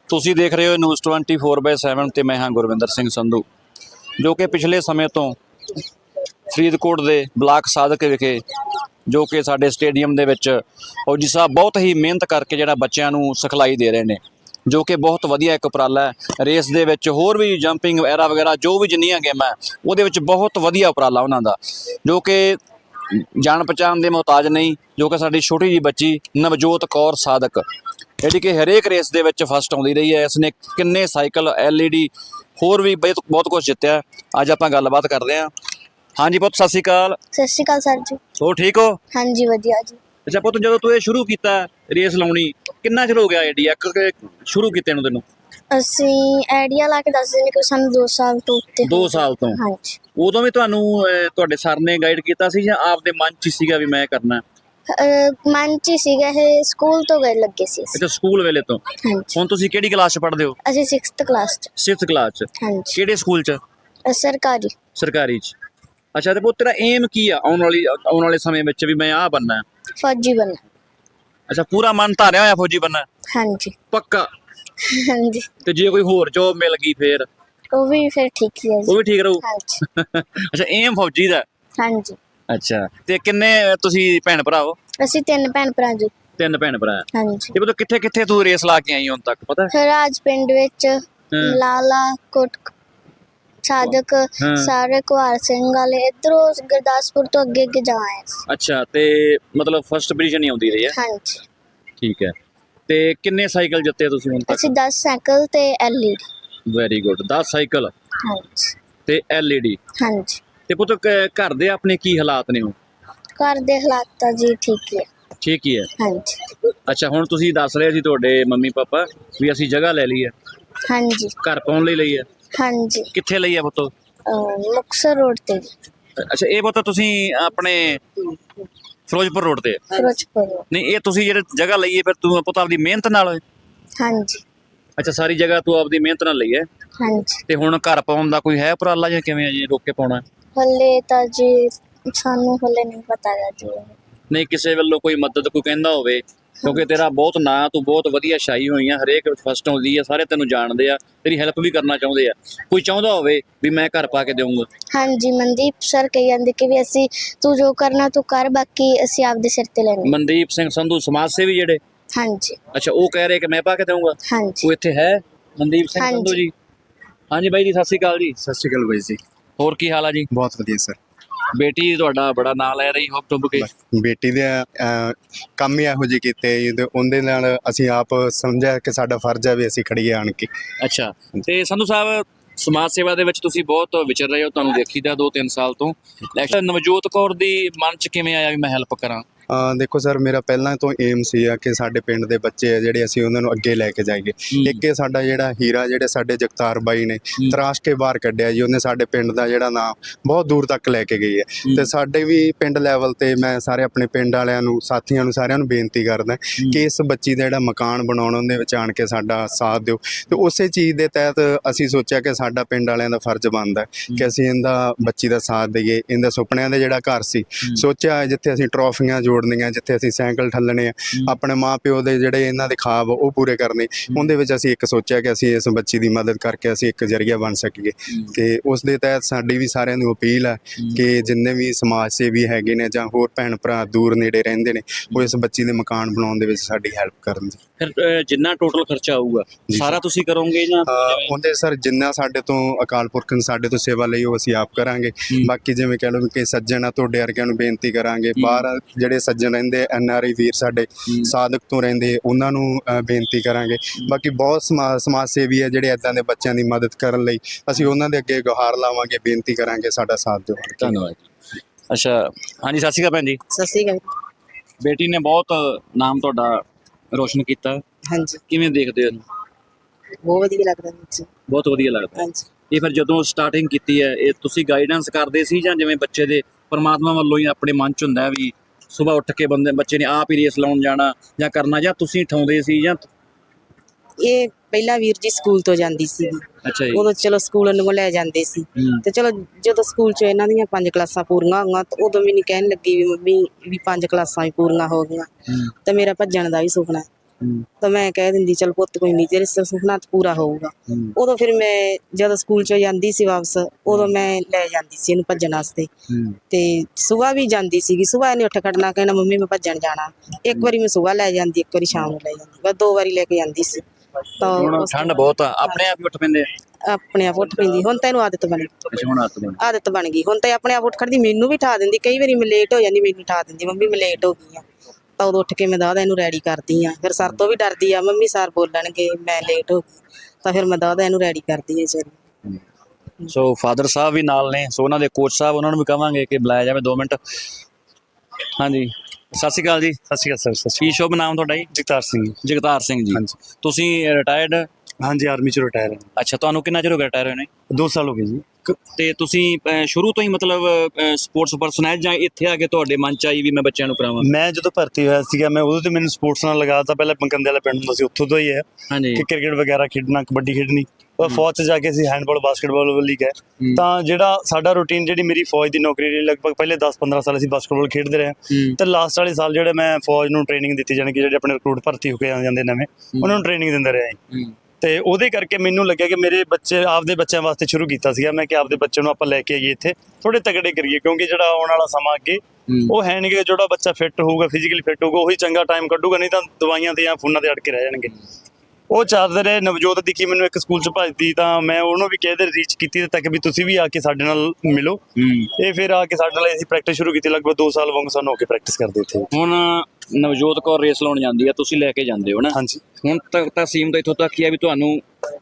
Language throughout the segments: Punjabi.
ਤੁਸੀਂ ਦੇਖ ਰਹੇ ਹੋ ਨਿਊਜ਼ 24/7 ਤੇ ਮੈਂ ਹਾਂ ਗੁਰਵਿੰਦਰ ਸਿੰਘ ਸੰਧੂ, ਜੋ ਕਿ ਪਿਛਲੇ ਸਮੇਂ ਤੋਂ ਫਰੀਦਕੋਟ ਦੇ ਬਲਾਕ ਸਾਦਿਕ ਵਿਖੇ ਜੋ ਕਿ ਸਾਡੇ ਸਟੇਡੀਅਮ ਦੇ ਵਿੱਚ ਫੌਜੀ ਸਾਹਿਬ ਬਹੁਤ ਹੀ ਮਿਹਨਤ ਕਰਕੇ ਜਿਹੜਾ ਬੱਚਿਆਂ ਨੂੰ ਸਿਖਲਾਈ ਦੇ ਰਹੇ ਨੇ, ਜੋ ਕਿ ਬਹੁਤ ਵਧੀਆ ਇੱਕ ਉਪਰਾਲਾ ਹੈ। ਰੇਸ ਦੇ ਵਿੱਚ ਹੋਰ ਵੀ ਜੰਪਿੰਗ ਵਗੈਰਾ ਜੋ ਵੀ ਜਿੰਨੀਆਂ ਗੇਮਾਂ ਉਹਦੇ ਵਿੱਚ ਬਹੁਤ ਵਧੀਆ ਉਪਰਾਲਾ ਉਹਨਾਂ ਦਾ, ਜੋ ਕਿ ਜਾਣ ਪਛਾਣ ਦੇ ਮੁਹਤਾਜ ਨਹੀਂ, ਜੋ ਕਿ ਸਾਡੀ ਛੋਟੀ ਜਿਹੀ ਬੱਚੀ ਨਵਜੋਤ ਕੌਰ ਸਾਦਿਕ ਜਿਹੜੀ ਕਿ ਹਰੇਕ ਰੇਸ ਦੇ ਵਿੱਚ ਫਸਟ ਆਉਂਦੀ ਰਹੀ ਹੈ। ਇਸਨੇ ਕਿੰਨੇ ਸਾਈਕਲ LED ਹੋਰ ਵੀ ਬਹੁਤ ਕੁਝ ਜਿੱਤਿਆ। ਅੱਜ ਆਪਾਂ ਗੱਲਬਾਤ ਕਰਦੇ ਹਾਂ। ਹਾਂਜੀ ਪੁੱਤ, ਸਤਿ ਸ਼੍ਰੀ ਅਕਾਲ। ਸਤਿ ਸ਼੍ਰੀ ਅਕਾਲ ਸਰ ਜੀ। ਹੋਰ ਠੀਕ ਹੋ? ਹਾਂਜੀ ਵਧੀਆ ਜੀ। ਅੱਛਾ ਪੁੱਤ, ਜਦੋਂ ਤੂੰ ਇਹ ਸ਼ੁਰੂ ਕੀਤਾ ਰੇਸ ਲਾਉਣੀ, ਕਿੰਨਾ ਚਿਰ ਹੋ ਗਿਆ ਆਈਡੀਆ ਸ਼ੁਰੂ ਕੀਤੇ ਨੂੰ ਤੈਨੂੰ? ਅਸੀਂ ਆਈਡੀਆ ਲਾ ਕੇ ਦੱਸਦੇ ਨੇ ਕਿ ਸਾਨੂੰ 2 ਸਾਲ ਤੋਂ ਉੱਤੇ 2 ਸਾਲ ਤੋਂ? ਹਾਂਜੀ। ਉਦੋਂ ਵੀ ਤੁਹਾਨੂੰ ਤੁਹਾਡੇ ਸਰ ਨੇ ਗਾਈਡ ਕੀਤਾ ਸੀ ਜਾਂ ਆਪਦੇ ਮਨ 'ਚ ਹੀ ਸੀਗਾ ਵੀ ਮੈਂ ਕਰਨਾ? ਮਨ 'ਚ ਹੀ ਸੀਗਾ, ਇਹ ਸਕੂਲ ਤੋਂ ਗਏ ਲੱਗੇ ਸੀ ਅਸੀਂ। ਅੱਛਾ, ਸਕੂਲ ਵੇਲੇ ਤੋਂ। ਹਾਂਜੀ। ਹੁਣ ਤੁਸੀਂ ਕਿਹੜੀ ਕਲਾਸ 'ਚ ਪੜ੍ਹਦੇ ਹੋ? ਅਸੀਂ 6th ਕਲਾਸ 'ਚ। 6th ਕਲਾਸ 'ਚ? ਹਾਂਜੀ। ਕਿਹੜੇ ਸਕੂਲ 'ਚ? ਸਰਕਾਰੀ। ਸਰਕਾਰੀ 'ਚ। ਅੱਛਾ, ਤੇ ਪੁੱਤ ਤੇਰਾ ਏਮ ਕੀ ਆ ਆਉਣ ਵਾਲੇ ਸਮੇਂ ਵਿੱਚ ਵੀ ਮੈਂ ਆਹ ਬਣਨਾ? ਫੌਜੀ ਬਣਨਾ। ਅੱਛਾ, ਪੂਰਾ ਮਨ ਧਾਰਿਆ ਹੋਇਆ ਫੌਜੀ ਬਣਨਾ? ਹਾਂਜੀ। ਪੱਕਾ? ਹਾਂਜੀ। ਤੇ ਜੇ ਕੋਈ ਹੋਰ ਜੋਬ ਮਿਲ ਗਈ ਫੇਰ? ਉਹ ਵੀ ਫਿਰ ਠੀਕ ਹੀ ਹੈ ਜੀ। ਉਹ ਵੀ ਠੀਕ ਰਹੂ? ਹਾਂਜੀ। ਅੱਛਾ, ਏਮ ਫੌਜੀ ਦਾ? ਹਾਂਜੀ। ਅੱਛਾ, ਤੇ ਕਿੰਨੇ ਤੁਸੀਂ ਭੈਣ ਭਰਾ ਹੋ? ਅਸੀਂ 3 ਭੈਣ ਭਰਾ ਜੀ। 3 ਭੈਣ ਭਰਾ? ਹਾਂਜੀ। ਤੇ ਪੁੱਤ ਕਿੱਥੇ ਕਿੱਥੇ ਤੂੰ ਰੇਸ ਲਾ ਕੇ ਆਈ ਹੁਣ ਤੱਕ ਪਤਾ? ਰਾਜ ਪਿੰਡ ਵਿੱਚ, ਲਾਲਾ ਕੋਟ ਸਾਦਕ, ਸਾਰੇ ਕੁਹਾਰ ਸਿੰਘ ਵਾਲੇ, ਇੱਧਰੋਂ ਗੁਰਦਾਸਪੁਰ ਤੋਂ ਅੱਗੇ ਅੱਗੇ ਜਾ ਆਏ। ਅੱਛਾ, ਤੇ ਮਤਲਬ ਫਸਟ ਪੋਜੀਸ਼ਨ ਹੀ ਆਉਂਦੀ ਰਹੀ ਹੈ? ਹਾਂਜੀ। ਠੀਕ ਹੈ। ਤੇ ਕਿੰਨੇ ਸਾਈਕਲ ਜਿੱਤੇ ਤੁਸੀਂ ਹੁਣ ਤੱਕ? ਅਸੀਂ 10 ਸਾਈਕਲ ਤੇ LED। Very good. 10 ਸਾਈਕਲ ਹਾਂਜੀ। ਤੇ LED। ਹਾਂਜੀ। ਤੇ ਪੁੱਤ ਘਰ ਦੇ ਆਪਣੇ ਕੀ ਹਾਲਾਤ ਨੇ ਹੁਣ? ਘਰ ਦੇ ਹਾਲਾਤ ਤਾਂ ਜੀ ਠੀਕ ਹੀ ਹੈ। ਠੀਕ ਹੀ ਹੈ? ਹਾਂਜੀ। ਅੱਛਾ, ਹੁਣ ਤੁਸੀਂ ਦੱਸ ਰਹੇ ਸੀ ਤੁਹਾਡੇ ਮੰਮੀ ਪਾਪਾ ਵੀ ਅਸੀਂ ਜਗ੍ਹਾ ਲੈ ਲਈ ਹੈ, ਹਾਂਜੀ। ਘਰ ਪਾਉਣ ਲਈ ਲਈ ਹੈ? ਹਾਂਜੀ। ਕਿੱਥੇ ਲਈ ਹੈ ਪੁੱਤ? ਮੁਕਤਸਰ ਰੋਡ ਤੇ। ਅੱਛਾ, ਇਹ ਪੁੱਤ ਤੁਸੀਂ ਆਪਣੇ ਫਿਰੋਜ਼ਪੁਰ ਰੋਡ ਤੇ? ਫਿਰੋਜ਼ਪੁਰ। ਨਹੀਂ, ਇਹ ਤੁਸੀਂ ਜਿਹੜੇ ਜਗ੍ਹਾ ਲਈ ਹੈ ਫਿਰ ਤੂੰ ਪੁੱਤ ਆਪਦੀ ਮਿਹਨਤ ਨਾਲ ਹੋਏ? ਹਾਂਜੀ। ਅੱਛਾ, ਸਾਰੀ ਜਗ੍ਹਾ ਤੂੰ ਆਪਦੀ ਮਿਹਨਤ ਨਾਲ ਲਈ ਹੈ? ਹਾਂਜੀ। ਤੇ ਹੁਣ ਘਰ ਪਾਉਣ ਦਾ ਕੋਈ ਹੈ ਉਪਰਾਲਾ ਜਾਂ ਕਿਵੇਂ ਜੀ ਰੋਕ ਕੇ ਪਾਉਣਾ? ਹਲੇ ਤਾਂ ਜੀ ਸਾਨੂੰ ਹਲੇ ਨਹੀਂ ਪਤਾ ਗਾ ਜੀ। ਨਹੀਂ, ਕਿਸੇ ਵੱਲੋਂ ਕੋਈ ਮਦਦ ਕੋਈ ਕਹਿੰਦਾ ਹੋਵੇ? ਕਿਉਂਕਿ ਤੇਰਾ ਬਹੁਤ ਨਾਂ, ਤੂੰ ਬਹੁਤ ਵਧੀਆ ਛਾਈ ਹੋਈ ਆ, ਹਰੇਕ ਫਸਟ ਆਉਂਦੀ ਆ, ਸਾਰੇ ਤੈਨੂੰ ਜਾਣਦੇ ਆ, ਤੇਰੀ ਹੈਲਪ ਵੀ ਕਰਨਾ ਚਾਹੁੰਦੇ ਆ, ਕੋਈ ਚਾਹੁੰਦਾ ਹੋਵੇ ਵੀ ਮੈਂ ਘਰ ਪਾ ਕੇ ਦੇਵਾਂਗਾ? ਹਾਂਜੀ, ਮਨਦੀਪ ਸਰ ਕਹੀ ਜਾਂਦੇ ਕਿ ਵੀ ਅਸੀਂ ਤੂੰ ਜੋ ਕਰਨਾ ਤੂੰ ਕਰ, ਬਾਕੀ ਅਸੀਂ ਆਪਦੇ ਸਿਰ ਤੇ ਲੈਣੇ। ਮਨਦੀਪ ਸਿੰਘ ਸੰਧੂ ਸਮਾਜ ਸੇਵੀ ਜਿਹੜੇ? ਹਾਂਜੀ। ਅੱਛਾ, ਉਹ ਕਹਿ ਰਹੇ ਕਿ ਮੈਂ ਪਾ ਕੇ ਦੇਵਾਂਗਾ? ਹਾਂਜੀ। ਉਹ ਇੱਥੇ ਹੈ ਮਨਦੀਪ ਸਿੰਘ ਸੰਧੂ ਜੀ? ਹਾਂਜੀ ਬਾਈ ਜੀ, ਸਤਿ ਸ਼੍ਰੀ ਅਕਾਲ ਜੀ। ਸਤਿ ਸ਼੍ਰੀ ਅਕਾਲ ਬਾਈ ਜੀ। ਹੋਰ ਕੀ ਹਾਲ ਆ ਜੀ? ਬਹੁਤ ਵਧੀਆ ਸਰ। ਬੇਟੀ ਤੁਹਾਡਾ ਬੜਾ ਨਾਂ ਲੈ ਰਹੀ ਹੁੱਬ ਟੁੱਬ ਕੇ। ਬੇਟੀ ਦੇ ਕੰਮ ਹੀ ਇਹੋ ਜਿਹੇ ਕੀਤੇ ਜੀ, ਤੇ ਉਹਦੇ ਨਾਲ ਅਸੀਂ ਆਪ ਸਮਝਿਆ ਕਿ ਸਾਡਾ ਫਰਜ਼ ਹੈ ਵੀ ਅਸੀਂ ਖੜੀਏ ਆਣ ਕੇ। ਅੱਛਾ, ਤੇ ਸੰਧੂ ਸਾਹਿਬ ਸਮਾਜ ਸੇਵਾ ਦੇ ਵਿੱਚ ਤੁਸੀਂ ਬਹੁਤ ਵਿਚਰ ਰਹੇ ਹੋ, ਤੁਹਾਨੂੰ ਦੇਖੀਦਾ 2-3 ਸਾਲ ਤੋਂ। ਨਵਜੋਤ ਕੌਰ ਦੀ ਮਨ 'ਚ ਕਿਵੇਂ ਆਇਆ ਵੀ ਮੈਂ ਹੈਲਪ ਕਰਾਂ? ਦੇਖੋ ਸਰ, ਮੇਰਾ ਪਹਿਲਾਂ ਤੋਂ ਏਮ ਸੀ ਕਿ ਸਾਡੇ ਪਿੰਡ ਦੇ ਬੱਚੇ ਆ ਜਿਹੜੇ, ਅਸੀਂ ਉਹਨਾਂ ਨੂੰ ਅੱਗੇ ਲੈ ਕੇ ਜਾਈਏ। ਇੱਕ ਇਹ ਸਾਡਾ ਜਿਹੜਾ ਹੀਰਾ, ਜਿਹੜੇ ਸਾਡੇ ਜਗਤਾਰ ਬਾਈ ਨੇ ਤਰਾਸ਼ ਕੇ ਬਾਹਰ ਕੱਢਿਆ ਜੀ, ਉਹਨੇ ਸਾਡੇ ਪਿੰਡ ਦਾ ਜਿਹੜਾ ਨਾਮ ਬਹੁਤ ਦੂਰ ਤੱਕ ਲੈ ਕੇ ਗਈ ਹੈ। ਤੇ ਸਾਡੇ ਵੀ ਪਿੰਡ ਲੈਵਲ ਤੇ ਮੈਂ ਸਾਰੇ ਆਪਣੇ ਪਿੰਡ ਵਾਲਿਆਂ ਨੂੰ, ਸਾਥੀਆਂ ਨੂੰ, ਸਾਰਿਆਂ ਨੂੰ ਬੇਨਤੀ ਕਰਦਾ ਕਿ ਇਸ ਬੱਚੀ ਦਾ ਜਿਹੜਾ ਮਕਾਨ ਬਣਾਉਣ, ਉਹਦੇ ਵਿੱਚ ਆਣ ਕੇ ਸਾਡਾ ਸਾਥ ਦਿਓ। ਤੇ ਉਸੇ ਚੀਜ਼ ਦੇ ਤਹਿਤ ਅਸੀਂ ਸੋਚਿਆ ਕਿ ਸਾਡਾ ਪਿੰਡ ਵਾਲਿਆਂ ਦਾ ਫਰਜ਼ ਬਣਦਾ ਕਿ ਅਸੀਂ ਇਹਦਾ ਬੱਚੀ ਦਾ ਸਾਥ ਦਈਏ। ਇਹਦਾ ਸੁਪਨਿਆਂ ਦਾ ਜਿਹੜਾ ਘਰ ਸੀ, ਸੋਚਿਆ ਜਿੱਥੇ ਅਸੀਂ ਟਰੋਫੀਆਂ ਜੋੜਨੀਆਂ, ਜਿੱਥੇ ਅਸੀਂ ਸਾਈਕਲ ਠੱਲਣੇ ਆ, ਆਪਣੇ ਮਾਂ ਪਿਓ ਦੇ ਜਿਹੜੇ ਇਹਨਾਂ ਦੇ ਖਾਬ ਉਹ ਪੂਰੇ ਕਰਨੇ, ਉਹਦੇ ਵਿੱਚ ਅਸੀਂ ਇੱਕ ਸੋਚਿਆ ਕਿ ਅਸੀਂ ਇਸ ਬੱਚੀ ਦੀ ਮਦਦ ਕਰਕੇ ਅਸੀਂ ਇੱਕ ਜ਼ਰੀਆ ਬਣ ਸਕੀਏ। ਤੇ ਉਸ ਦੇ ਤਹਿਤ ਸਾਡੀ ਵੀ ਸਾਰਿਆਂ ਨੂੰ ਅਪੀਲ ਹੈ ਕਿ ਜਿੰਨੇ ਵੀ ਸਮਾਜ ਸੇਵੀ ਹੈਗੇ ਨੇ ਜਾਂ ਹੋਰ ਭੈਣ ਭਰਾ ਦੂਰ ਨੇੜੇ ਰਹਿੰਦੇ ਨੇ, ਉਹ ਇਸ ਬੱਚੀ ਦੇ ਮਕਾਨ ਬਣਾਉਣ ਦੇ ਵਿੱਚ ਸਾਡੀ ਹੈਲਪ ਕਰਨ ਜੀ। ਫਿਰ ਜਿੰਨਾ ਟੋਟਲ ਖਰਚਾ ਆਊਗਾ ਸਾਰਾ ਤੁਸੀਂ ਕਰੋਗੇ ਜਾਂ? ਉਹਦੇ ਸਰ ਜਿੰਨਾ ਸਾਡੇ ਤੋਂ ਅਕਾਲ ਪੁਰਖ ਨੇ ਸਾਡੇ ਤੋਂ ਸੇਵਾ ਲਈ ਉਹ ਅਸੀਂ ਆਪ ਕਰਾਂਗੇ। ਬਾਕੀ ਜਿਵੇਂ ਕਹਿ ਲਓ ਕਿ ਸੱਜਣ ਆ, ਤੁਹਾਡੇ ਵਰਗਿਆਂ ਨੂੰ ਬੇਨਤੀ ਕਰਾਂਗੇ, ਬਾਹਰ ਜਿਹੜੇ ਸੱਜਣ ਰਹਿੰਦੇ NRI ਵੀਰ ਸਾਡੇ ਸਾਦਕ ਤੋਂ ਰਹਿੰਦੇ, ਉਹਨਾਂ ਨੂੰ ਬੇਨਤੀ ਕਰਾਂਗੇ। ਬਾਕੀ ਬਹੁਤ ਸਮਾਜ ਸੇਵੀ ਹੈ ਜਿਹੜੇ ਇੱਦਾਂ ਦੇ ਬੱਚਿਆਂ ਦੀ ਮਦਦ ਕਰਨ ਲਈ, ਅਸੀਂ ਉਹਨਾਂ ਦੇ ਅੱਗੇ ਗੁਹਾਰ ਲਾਵਾਂਗੇ, ਬੇਨਤੀ ਕਰਾਂਗੇ ਸਾਡਾ ਸਾਥ ਦਿਓ। ਧੰਨਵਾਦ। ਅੱਛਾ, ਹਾਂਜੀ ਸਤਿ ਸ਼੍ਰੀ ਅਕਾਲ ਭੈਣ ਜੀ। ਸਤਿ ਸ਼੍ਰੀ ਅਕਾਲ। ਬੇਟੀ ਨੇ ਬਹੁਤ ਨਾਮ ਤੁਹਾਡਾ ਰੋਸ਼ਨ ਕੀਤਾ, ਹਾਂਜੀ, ਕਿਵੇਂ ਦੇਖਦੇ ਹੋ? ਬਹੁਤ ਵਧੀਆ ਲੱਗਦਾ ਜੀ। ਬਹੁਤ ਵਧੀਆ ਲੱਗਦਾ। ਹਾਂਜੀ। ਇਹ ਫਿਰ ਜਦੋਂ ਸਟਾਰਟਿੰਗ ਕੀਤੀ ਹੈ, ਇਹ ਤੁਸੀਂ ਗਾਈਡੈਂਸ ਕਰਦੇ ਸੀ ਜਾਂ ਜਿਵੇਂ ਬੱਚੇ ਦੇ ਪਰਮਾਤਮਾ ਵੱਲੋਂ ਹੀ ਆਪਣੇ ਮਨ 'ਚ ਹੁੰਦਾ ਵੀ ਸੁਬਾਹ ਉੱਠ ਕੇ ਬੱਚੇ ਨੇ ਆਪ ਹੀ ਰੇਸ ਲਾਉਣ ਜਾਣਾ ਜਾਂ ਕਰਨਾ, ਜਾਂ ਤੁਸੀਂ ਠਾਉਂਦੇ ਸੀ ਜਾਂ? ਇਹ ਪਹਿਲਾਂ ਵੀਰ ਜੀ ਸਕੂਲ ਤੋਂ ਜਾਂਦੀ ਸੀ, ਅੱਛਾ ਜੀ। ਉਦੋਂ ਚਲੋ ਸਕੂਲ ਨੂੰ ਲੈ ਜਾਂਦੇ ਸੀ, ਤੇ ਚਲੋ ਜਦੋਂ ਸਕੂਲ 'ਚ ਇਹਨਾਂ ਦੀਆਂ 5 ਕਲਾਸਾਂ ਪੂਰੀਆਂ ਹੋਈਆਂ ਤਾਂ ਉਦੋਂ ਮੈਨੂੰ ਕਹਿਣ ਲੱਗੀ ਵੀ ਮੰਮੀ ਵੀ 5 ਕਲਾਸਾਂ ਵੀ ਪੂਰੀਆਂ ਹੋ ਗਈਆਂ, ਤੇ ਮੇਰਾ ਭੱਜਣ ਦਾ ਵੀ ਸੁਪਨਾ। ਤਾਂ ਮੈਂ ਕਹਿ ਦਿੰਦੀ ਚਲ ਪੁੱਤ ਕੋਈ ਨਹੀਂ, ਤੇਰੇ ਸੁਪਨਾ ਤਾਂ ਪੂਰਾ ਹੋਊਗਾ। ਉਦੋਂ ਫਿਰ ਮੈਂ ਜਦੋਂ ਸਕੂਲ ਚੋਂ ਜਾਂਦੀ ਸੀ ਵਾਪਸ, ਉਦੋਂ ਮੈਂ ਲੈ ਜਾਂਦੀ ਸੀ ਇਹਨੂੰ ਭੱਜਣ ਵਾਸਤੇ। ਤੇ ਸੁਬਾਹ ਵੀ ਜਾਂਦੀ ਸੀਗੀ, ਸੁਬਾਹ ਇਹਨੇ ਉੱਠ ਖੜਨਾ ਕਹਿਣਾ ਮੰਮੀ ਮੈਂ ਭੱਜਣ ਜਾਣਾ। ਇੱਕ ਵਾਰੀ ਮੈਂ ਸੁਬਾਹ ਲੈ ਜਾਂਦੀ, ਇੱਕ ਵਾਰੀ ਸ਼ਾਮ ਨੂੰ ਲੈ ਜਾਂਦੀ, ਬਸ 2 ਵਾਰੀ ਲੈ ਕੇ ਜਾਂਦੀ ਸੀ। ਤਾਂ ਹੁਣ ਠੰਡ ਬਹੁਤ ਆ, ਆਪਣੇ ਆਪ ਹੀ ਉੱਠ ਪੈਂਦੇ ਆ? ਆਪਣੇ ਆਪ ਉੱਠ ਪੈਂਦੀ, ਹੁਣ ਤਾਂ ਇਹਨੂੰ ਆਦਤ ਬਣ ਗਈ। ਅੱਛਾ, ਹੁਣ ਆਦਤ ਬਣ ਗਈ, ਹੁਣ ਤਾਂ ਇਹ ਆਪਣੇ ਆਪ ਉੱਠ ਖੜਦੀ, ਮੈਨੂੰ ਵੀ ਠਾ ਦਿੰਦੀ। ਕਈ ਵਾਰੀ ਮੈਂ ਲੇਟ ਹੋ ਜਾਂਦੀ, ਮੈਨੂੰ ਠਾ ਦਿੰਦੀ ਮੰਮੀ ਮੈਂ ਲੇਟ ਹੋ ਗਈ ਆ। ਤਾਂ ਉਦੋਂ ਉੱਠ ਕੇ ਮੈਂ ਦਾਦਾ ਇਹਨੂੰ ਰੈਡੀ ਕਰਦੀ ਆ। ਫਿਰ ਸਰ ਤੋਂ ਵੀ ਡਰਦੀ ਆ, ਮੰਮੀ ਸਰ ਬੋਲਣਗੇ ਮੈਂ ਲੇਟ ਹੋ ਗਈ, ਤਾਂ ਫਿਰ ਮੈਂ ਦਾਦਾ ਇਹਨੂੰ ਰੈਡੀ ਕਰਦੀ ਆ। ਚਲ ਸੋ ਫਾਦਰ ਸਾਹਿਬ ਵੀ ਨਾਲ ਨੇ, ਸੋ ਉਹਨਾਂ ਦੇ ਕੋਚ ਸਾਹਿਬ, ਉਹਨਾਂ ਨੂੰ ਵੀ ਕਵਾਂਗੇ ਕਿ ਬੁਲਾਇਆ ਜਾਵੇ 2 ਮਿੰਟ। ਹਾਂਜੀ, ਸਤਿ ਸ਼੍ਰੀ ਅਕਾਲ ਜੀ। ਸਤਿ ਸ਼੍ਰੀ ਅਕਾਲ ਸਰ। ਕੀ ਸ਼ੁਭ ਨਾਮ ਤੁਹਾਡਾ ਜੀ? ਜਗਤਾਰ ਸਿੰਘ। ਜਗਤਾਰ ਸਿੰਘ ਜੀ। ਹਾਂਜੀ। ਤੁਸੀਂ ਰਿਟਾਇਰਡ? ਹਾਂਜੀ, ਆਰਮੀ ਚ ਰਿਟਾਇਰ ਹਾਂ। ਅੱਛਾ, ਤੁਹਾਨੂੰ ਕਿੰਨਾ ਚਿਰ ਹੋ ਗਿਆ ਰਿਟਾਇਰ ਹੋਏ ਨੇ? 2 ਸਾਲ ਹੋ ਗਏ ਜੀ। ਤੇ ਤੁਸੀਂ ਸ਼ੁਰੂ ਤੋਂ ਹੀ ਮਤਲਬ ਸਪੋਰਟਸ ਪਰਸਨ ਹੈ, ਜਾਂ ਇੱਥੇ ਆ ਕੇ ਤੁਹਾਡੇ ਮਨ ਚ ਆਈ ਵੀ ਮੈਂ ਬੱਚਿਆਂ ਨੂੰ ਕਰਾਵਾਂ? ਮੈਂ ਜਦੋਂ ਭਰਤੀ ਹੋਇਆ ਸੀਗਾ, ਮੈਂ ਉਦੋਂ ਤੇ ਮੈਨੂੰ ਸਪੋਰਟਸ ਨਾਲ ਲਗਾਤਾ। ਪਹਿਲਾਂ ਪੰਕੰਦੇ ਵਾਲਾ ਪਿੰਡ ਹੁੰਦਾ ਸੀ, ਉੱਥੋਂ ਤੋਂ ਹੀ ਹੈ ਹਾਂਜੀ। ਕਿ ਕ੍ਰਿਕਟ ਵਗੈਰਾ ਖੇਡਣਾ, ਕਬੱਡੀ ਖੇਡਣੀ। ਉਹ ਫੌਜ 'ਚ ਜਾ ਕੇ ਅਸੀਂ ਹੈਂਡਬਾਲ, ਬਾਸਕਟਬਾਲ ਵੱਲ ਹੀ ਗਏ। ਤਾਂ ਜਿਹੜਾ ਸਾਡਾ ਰੂਟੀਨ, ਜਿਹੜੀ ਮੇਰੀ ਫੌਜ ਦੀ ਨੌਕਰੀ ਲਈ ਲਗਭਗ ਪਹਿਲੇ 10-15 ਸਾਲ ਅਸੀਂ ਬਾਸਕਟਬਾਲ ਖੇਡਦੇ ਰਹੇ। ਤੇ ਲਾਸਟ ਵਾਲੇ ਸਾਲ ਜਿਹੜੇ ਮੈਂ ਫੌਜ ਨੂੰ ਟ੍ਰੇਨਿੰਗ ਦਿੱਤੀ, ਜਾਣੀ ਕਿ ਜਿਹੜੇ ਆਪਣੇ ਰਿਕਰੂਟ ਭਰਤੀ ਹੋ ਕੇ ਆ ਜਾਂਦੇ ਨਵੇਂ, ਉਹਨਾਂ ਨੂੰ ਟ੍ਰੇਨਿੰਗ ਦਿੰਦੇ ਰਹੇ। ਤੇ ਉਹਦੇ ਕਰਕੇ ਮੈਨੂੰ ਲੱਗਿਆ ਕਿ ਮੇਰੇ ਬੱਚੇ, ਆਪਦੇ ਬੱਚਿਆਂ ਵਾਸਤੇ ਸ਼ੁਰੂ ਕੀਤਾ ਸੀਗਾ ਮੈਂ, ਕਿ ਆਪਦੇ ਬੱਚੇ ਨੂੰ ਆਪਾਂ ਲੈ ਕੇ ਆਈਏ ਇੱਥੇ, ਥੋੜੇ ਤਗੜੇ ਕਰੀਏ। ਕਿਉਂਕਿ ਜਿਹੜਾ ਆਉਣ ਵਾਲਾ ਸਮਾਂ ਅੱਗੇ ਉਹ ਹੈ ਨਹੀਂ ਕਿ ਜਿਹੜਾ ਬੱਚਾ ਫਿੱਟ ਹੋਊਗਾ, ਫਿਜ਼ੀਕਲੀ ਫਿੱਟ ਹੋਊਗਾ, ਉਹੀ ਚੰਗਾ ਟਾਈਮ ਕੱਢੂਗਾ, ਨਹੀਂ ਤਾਂ ਦਵਾਈਆਂ ਤੇ ਜਾਂ ਫੋਨਾਂ ਤੇ ਅੜ ਕੇ ਰਹਿ ਜਾਣਗੇ। ਉਹ ਚੱਲਦੇ ਰਹੇ। ਨਵਜੋਤ ਦਿਖੀ ਮੈਨੂੰ ਇੱਕ ਸਕੂਲ 'ਚ ਭੱਜਦੀ, ਤਾਂ ਮੈਂ ਉਹਨੂੰ ਵੀ ਕਹਿ ਦੇ ਰੀਚ ਕੀਤੀ ਤੱਕ ਵੀ ਤੁਸੀਂ ਵੀ ਆ ਕੇ ਸਾਡੇ ਨਾਲ ਮਿਲੋ। ਇਹ ਫਿਰ ਆ ਕੇ ਸਾਡੇ ਨਾਲ ਅਸੀਂ ਪ੍ਰੈਕਟਿਸ ਸ਼ੁਰੂ ਕੀਤੀ। ਲਗਭਗ 2 ਸਾਲ ਵਾਂਗ ਸਾਨੂੰ ਹੋ ਕੇ ਪ੍ਰੈਕਟਿਸ ਕਰਦੇ ਇੱਥੇ। ਹੁਣ ਨਵਜੋਤ ਕੌਰ ਰੇਸ ਲਾਉਣ ਜਾਂਦੀ ਆ, ਤੁਸੀਂ ਲੈ ਕੇ ਜਾਂਦੇ ਹੋ ਨਾ? ਹਾਂਜੀ। ਹੁਣ ਤੱਕ ਤਾਂ ਸੀਮ ਤਾਂ ਇੱਥੋਂ ਤੱਕ ਹੀ ਆ ਵੀ ਤੁਹਾਨੂੰ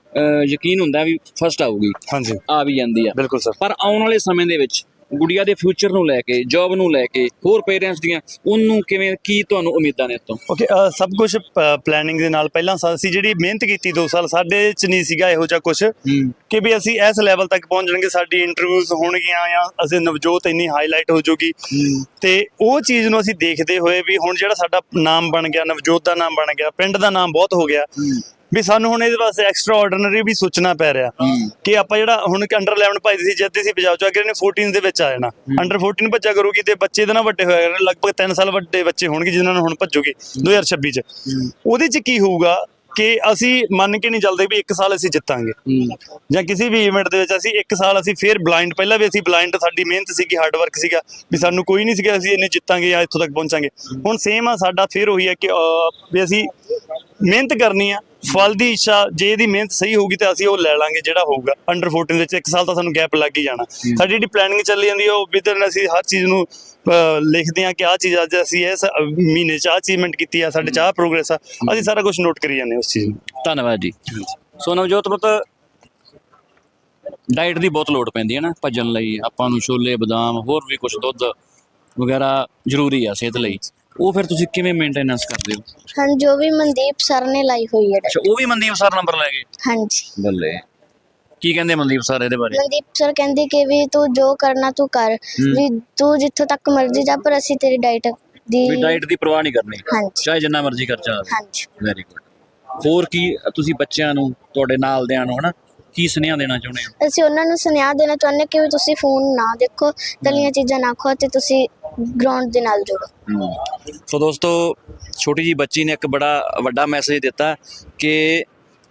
ਯਕੀਨ ਹੁੰਦਾ ਵੀ ਫਸਟ ਆਊਗੀ। ਹਾਂਜੀ, ਆ ਵੀ ਜਾਂਦੀ ਆ। ਬਿਲਕੁਲ ਸਰ। ਪਰ ਆਉਣ ਵਾਲੇ ਸਮੇਂ ਦੇ ਵਿੱਚ ਗੁੜੀਆ ਦੇ ਫਿਊਚਰ ਨੂੰ ਲੈ ਕੇ, ਜੌਬ ਨੂੰ ਲੈ ਕੇ, ਹੋਰ ਪੇਰੈਂਟਸ ਦੀਆਂ ਉਹਨੂੰ ਕਿਵੇਂ, ਕੀ ਤੁਹਾਨੂੰ ਉਮੀਦਾਂ ਨੇ ਇੱਥੋਂ? ਓਕੇ, ਸਭ ਕੁਝ ਪਲੈਨਿੰਗ ਦੇ ਨਾਲ। ਪਹਿਲਾਂ ਅਸੀਂ ਜਿਹੜੀ ਮਿਹਨਤ ਕੀਤੀ 2 ਸਾਲ, ਸਾਡੇ 'ਚ ਨਹੀਂ ਸੀਗਾ ਇਹੋ ਜਿਹਾ ਕੁਝ ਕਿ ਵੀ ਅਸੀਂ ਇਸ ਲੈਵਲ ਤੱਕ ਪਹੁੰਚ ਜਾਣਗੇ, ਸਾਡੀ ਇੰਟਰਵਿਊਜ਼ ਹੋਣਗੀਆਂ ਜਾਂ ਅਸੀਂ ਨਵਜੋਤ ਇੰਨੀ ਹਾਈਲਾਈਟ ਹੋ ਜਾਊਗੀ। ਤੇ ਉਹ ਚੀਜ਼ ਨੂੰ ਅਸੀਂ ਦੇਖਦੇ ਹੋਏ ਵੀ ਹੁਣ ਜਿਹੜਾ ਸਾਡਾ ਨਾਮ ਬਣ ਗਿਆ, ਨਵਜੋਤ ਦਾ ਨਾਮ ਬਣ ਗਿਆ, ਪਿੰਡ ਦਾ ਨਾਮ ਬਹੁਤ ਹੋ ਗਿਆ, ਵੀ ਸਾਨੂੰ ਹੁਣ ਇਹਦੇ ਵਾਸਤੇ ਐਕਸਟਰਾ ਆਰਡੀਨਰੀ ਵੀ ਸੋਚਣਾ ਪੈ ਰਿਹਾ ਕਿ ਆਪਾਂ ਜਿਹੜਾ ਹੁਣ ਅੰਡਰ 11 ਭੱਜਦੇ ਸੀ, ਜਿੱਤਦੇ ਸੀ ਪੰਜਾਬ ਚੋਂ, ਅਗਰ ਇਹਨੇ 14 ਦੇ ਵਿੱਚ ਆ ਜਾਣਾ, ਅੰਡਰ 14 ਭੱਜਿਆ ਕਰੂਗੀ ਤੇ ਬੱਚੇ ਦੇ ਨਾਲ ਵੱਡੇ ਹੋਇਆ ਕਰਨਗੇ। ਲਗਭਗ 3 ਸਾਲ ਵੱਡੇ ਬੱਚੇ ਹੋਣਗੇ ਜਿਨ੍ਹਾਂ ਨੂੰ ਹੁਣ ਭੱਜੋਗੇ 2026 ਚ। ਉਹਦੇ ਚ ਕੀ ਹੋਊਗਾ ਕਿ ਅਸੀਂ ਮੰਨ ਕੇ ਨਹੀਂ ਚੱਲਦੇ ਵੀ 1 ਸਾਲ ਅਸੀਂ ਜਿੱਤਾਂਗੇ ਜਾਂ ਕਿਸੇ ਵੀ ਇਵੈਂਟ ਦੇ ਵਿੱਚ ਅਸੀਂ 1 ਸਾਲ ਅਸੀਂ ਫੇਰ ਬਲਾਈਂਡ, ਪਹਿਲਾਂ ਵੀ ਅਸੀਂ ਬਲਾਈਂਡ, ਸਾਡੀ ਮਿਹਨਤ ਸੀਗੀ, ਹਾਰਡ ਵਰਕ ਸੀਗਾ, ਵੀ ਸਾਨੂੰ ਕੋਈ ਨਹੀਂ ਸੀਗਾ ਅਸੀਂ ਇੰਨੇ ਜਿੱਤਾਂਗੇ ਜਾਂ ਇੱਥੋਂ ਤੱਕ ਪਹੁੰਚਾਂਗੇ। ਹੁਣ ਸੇਮ ਆ ਸਾਡਾ, ਫੇਰ ਉਹੀ ਹੈ ਕਿ ਵੀ ਅਸੀਂ ਮਿਹਨਤ ਕਰਨੀ ਆ, ਫਲ ਦੀ ਇੱਛਾ, ਜੇ ਇਹਦੀ ਮਿਹਨਤ ਸਹੀ ਹੋਊਗੀ ਤਾਂ ਅਸੀਂ ਉਹ ਲੈ ਲਾਂਗੇ ਜਿਹੜਾ ਹੋਊਗਾ। ਅੰਡਰ 14 ਵਿੱਚ 1 ਸਾਲ ਤਾਂ ਸਾਨੂੰ ਗੈਪ ਲੱਗ ਹੀ ਜਾਣਾ। ਸਾਡੀ ਜਿਹੜੀ ਪਲੈਨਿੰਗ ਚੱਲੀ ਜਾਂਦੀ ਹੈ ਉਹ ਵਿਦਨ ਅਸੀਂ ਹਰ ਚੀਜ਼ ਨੂੰ ਲਿਖਦੇ ਹਾਂ ਕਿ ਆਹ ਚੀਜ਼ ਅੱਜ ਅਸੀਂ ਇਸ ਮਹੀਨੇ 'ਚ ਆਹ ਅਚੀਵਮੈਂਟ ਕੀਤੀ ਆ, ਸਾਡੇ 'ਚ ਆਹ ਪ੍ਰੋਗਰੈਸ ਆ, ਅਸੀਂ ਸਾਰਾ ਕੁਝ ਨੋਟ ਕਰੀ ਜਾਂਦੇ ਉਸ ਚੀਜ਼ ਨੂੰ। ਧੰਨਵਾਦ ਜੀ। ਸੋ ਨਵਜੋਤ ਪੁੱਤ, ਡਾਈਟ ਦੀ ਬਹੁਤ ਲੋੜ ਪੈਂਦੀ ਹੈ ਨਾ ਭੱਜਣ ਲਈ, ਆਪਾਂ ਨੂੰ ਛੋਲੇ ਬਦਾਮ ਹੋਰ ਵੀ ਕੁਝ, ਦੁੱਧ ਵਗੈਰਾ ਜ਼ਰੂਰੀ ਆ ਸਿਹਤ ਲਈ। ਉਹ ਫਿਰ ਤੁਸੀਂ ਕਿਵੇਂ ਮੇਨਟੇਨੈਂਸ ਕਰਦੇ ਹੋ? ਹਾਂ, ਜੋ ਵੀ ਮਨਦੀਪ ਸਰ ਨੇ ਲਾਈ ਹੋਈ ਹੈ। ਅੱਛਾ, ਉਹ ਵੀ ਮਨਦੀਪ ਸਰ ਨੰਬਰ ਲੈ ਗਏ? ਹਾਂਜੀ। ਬੱਲੇ। ਕੀ ਕਹਿੰਦੇ ਮਨਦੀਪ ਸਰ ਇਹਦੇ ਬਾਰੇ? ਮਨਦੀਪ ਸਰ ਕਹਿੰਦੇ ਕਿ ਵੀ ਤੂੰ ਜੋ ਕਰਨਾ ਤੂੰ ਕਰ, ਵੀ ਤੂੰ ਜਿੱਥੋਂ ਤੱਕ ਮਰਜ਼ੀ ਜਾ, ਪਰ ਅਸੀਂ ਤੇਰੀ ਡਾਈਟ ਦੀ ਪਰਵਾਹ ਨਹੀਂ ਕਰਨੀ, ਹਾਂਜੀ, ਚਾਹੇ ਜਿੰਨਾ ਮਰਜ਼ੀ ਖਰਚਾ ਆਵੇ। ਹਾਂਜੀ। Very good. ਹੋਰ ਕੀ ਤੁਸੀਂ ਬੱਚਿਆਂ ਨੂੰ, ਤੁਹਾਡੇ ਨਾਲ ਦਿਆਂ ਨੂੰ, ਹਨਾ, ਕੀ ਸੁਨੇਹਾ ਦੇਣਾ ਚਾਹੁੰਦੇ ਹੋ? ਅਸੀਂ ਉਹਨਾਂ ਨੂੰ ਸੁਨੇਹਾ ਦੇਣਾ ਚਾਹੁੰਦੇ ਕਿ ਵੀ ਤੁਸੀਂ ਫੋਨ ਨਾ ਦੇਖੋ, ਤਲੀਆਂ ਚੀਜ਼ਾਂ ਨਾ ਖਾਓ ਤੇ ਤੁਸੀਂ ਗਰਾਊਂਡ ਦੇ ਨਾਲ ਜੁੜੋ। ਸੋ ਦੋਸਤੋ, ਛੋਟੀ ਜੀ ਬੱਚੀ ਨੇ ਇੱਕ ਬੜਾ ਵੱਡਾ ਮੈਸੇਜ ਦਿੱਤਾ ਕਿ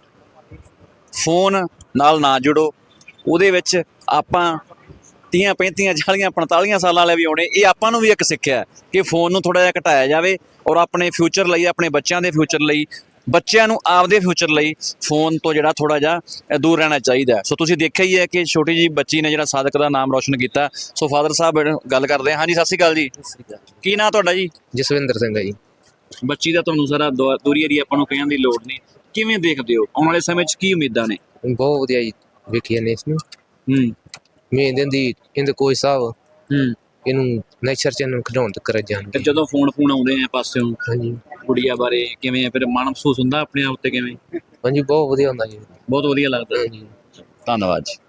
ਫੋਨ ਨਾਲ ਨਾ ਜੁੜੋ। ਉਹਦੇ ਵਿੱਚ ਆਪਾਂ 30, 35, 40, 45 ਸਾਲਾਂ ਵਾਲੇ ਵੀ ਆਉਣੇ, ਇਹ ਆਪਾਂ ਨੂੰ ਵੀ ਇੱਕ ਸਿੱਖਿਆ ਹੈ ਕਿ ਫੋਨ ਨੂੰ ਥੋੜ੍ਹਾ ਜਿਹਾ ਘਟਾਇਆ ਜਾਵੇ ਔਰ ਆਪਣੇ ਫਿਊਚਰ ਲਈ, ਆਪਣੇ ਬੱਚਿਆਂ ਦੇ ਫਿਊਚਰ ਲਈ, ਬੱਚਿਆਂ ਨੂੰ ਆਪਦੇ ਫਿਊਚਰ ਲਈ ਫੋਨ ਤੋਂ ਜਿਹੜਾ ਥੋੜ੍ਹਾ ਜਿਹਾ ਦੂਰ ਰਹਿਣਾ ਚਾਹੀਦਾ। ਸੋ ਤੁਸੀਂ ਦੇਖਿਆ ਹੀ ਹੈ ਕਿ ਛੋਟੀ ਜੀ ਬੱਚੀ ਨੇ ਜਿਹੜਾ ਸਾਦਕ ਦਾ ਨਾਮ ਰੋਸ਼ਨ ਕੀਤਾ। ਸੋ ਫਾਦਰ ਸਾਹਿਬ ਗੱਲ ਕਰਦੇ ਹਾਂ। ਹਾਂਜੀ, ਸਤਿ ਸ਼੍ਰੀ ਅਕਾਲ ਜੀ। ਕੀ ਨਾਂ ਤੁਹਾਡਾ ਜੀ? ਜਸਵਿੰਦਰ ਸਿੰਘ ਹੈ ਜੀ। ਬੱਚੀ ਦਾ ਤੁਹਾਨੂੰ ਸਾਰਾ ਦੂਰੀ ਏਰੀਆ ਆਪਾਂ ਨੂੰ ਕਹਿਣ ਦੀ ਲੋੜ ਨਹੀਂ, ਕਿਵੇਂ ਦੇਖਦੇ ਹੋ ਆਉਣ ਵਾਲੇ ਸਮੇਂ 'ਚ, ਕੀ ਉਮੀਦਾਂ ਨੇ? ਬਹੁਤ ਵਧੀਆ ਜੀ, ਵੇਖੀ ਜਾਂਦੇ ਇਸ ਨੂੰ। ਉਮੀਦ ਇਹਦੀ, ਇਹਦੇ ਕੋਈ ਸਾਹਿਬ ਇਹਨੂੰ ਨੈਚਰ ਚ ਇਹਨੂੰ ਖਿਡਾਉਣ ਤੱਕ ਕਰ ਜਾਣਗੇ। ਜਦੋਂ ਫੋਨ ਆਉਂਦੇ ਆ ਪਾਸਿਓਂ, ਹਾਂਜੀ, ਗੁੜੀਆ ਬਾਰੇ ਕਿਵੇਂ ਫਿਰ ਮਨ ਮਹਿਸੂਸ ਹੁੰਦਾ ਆਪਣੇ ਆਪ ਤੇ ਕਿਵੇਂ? ਹਾਂਜੀ, ਬਹੁਤ ਵਧੀਆ ਹੁੰਦਾ ਜੀ, ਬਹੁਤ ਵਧੀਆ ਲੱਗਦਾ। ਹਾਂਜੀ। ਧੰਨਵਾਦ ਜੀ।